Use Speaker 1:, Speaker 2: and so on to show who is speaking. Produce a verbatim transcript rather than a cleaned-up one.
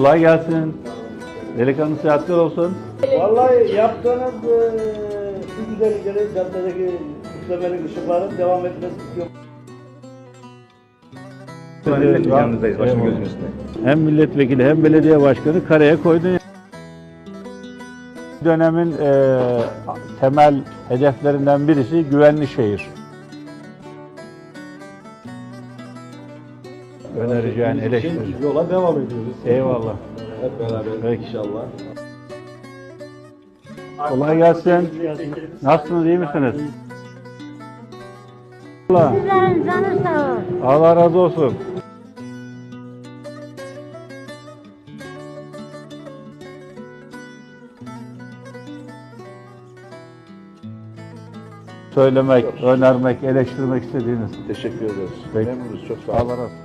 Speaker 1: Kolay gelsin. Delikanlı seyahatler olsun.
Speaker 2: Vallahi yaptığınız e, şu güzellikleri, caddedeki üflemeli ışıkların devam etmesi istiyor.
Speaker 3: Yanınızdayız, başım gözüm üstüne.
Speaker 1: Hem milletvekili hem belediye başkanı karaya koydun. Dönemin e, temel hedeflerinden birisi güvenli şehir. Önereceğin, eleştirin.
Speaker 4: Yola devam ediyoruz.
Speaker 1: Eyvallah.
Speaker 4: Hep beraber
Speaker 1: Peki.
Speaker 4: inşallah.
Speaker 1: Kolay gelsin. Nasılsınız, iyi misiniz? Allah,
Speaker 5: Sizlerin canı sağ ol.
Speaker 1: Allah razı olsun. Söylemek, önermek, eleştirmek istediğiniz.
Speaker 3: Teşekkür ederiz.
Speaker 1: Peki.
Speaker 3: Memnunuz, çok sağ olun.
Speaker 1: Allah razı olsun.